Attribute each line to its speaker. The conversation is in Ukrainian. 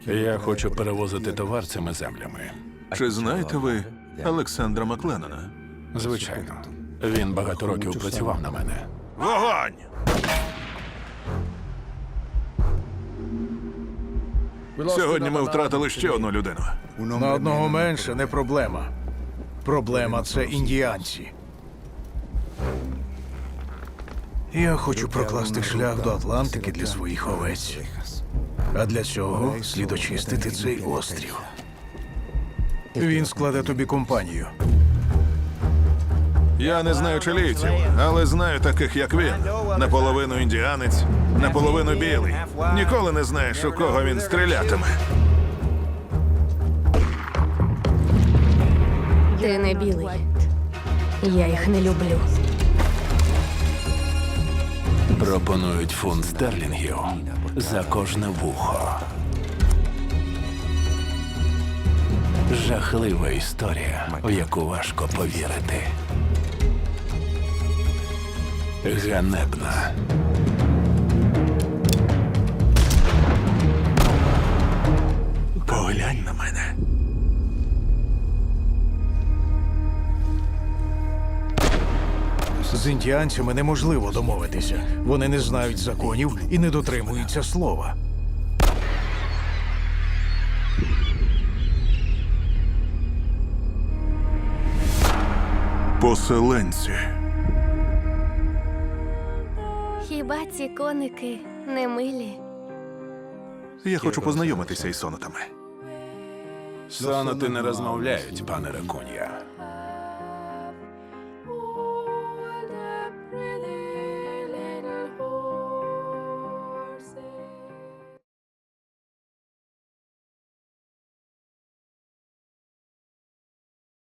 Speaker 1: Я хочу перевозити товар цими землями.
Speaker 2: Чи знаєте ви Олександра Макленнона?
Speaker 1: Звичайно. Він багато років працював на мене.
Speaker 2: Вогонь! Сьогодні ми втратили ще одну людину.
Speaker 3: На одного менше не проблема. Проблема – це індіанці. Я хочу прокласти шлях до Атлантики для своїх овець. А для цього слід очистити цей острів. Він складе тобі компанію.
Speaker 2: Я не знаю чилійців, але знаю таких, як він. Наполовину індіанець, наполовину білий. Ніколи не знаєш, у кого він стрілятиме.
Speaker 4: Ти не білий. Я їх не люблю.
Speaker 1: Пропонують фунт стерлінгів за кожне вухо. Жахлива історія, в яку важко повірити. Ганебна.
Speaker 2: Поглянь на мене.
Speaker 3: З індіанцями неможливо домовитися. Вони не знають законів і не дотримуються слова.
Speaker 2: Поселенці.
Speaker 4: Хіба ці коники не милі?
Speaker 2: Я хочу познайомитися із сонатами.
Speaker 1: Соноти не розмовляють, пане Ракун'я.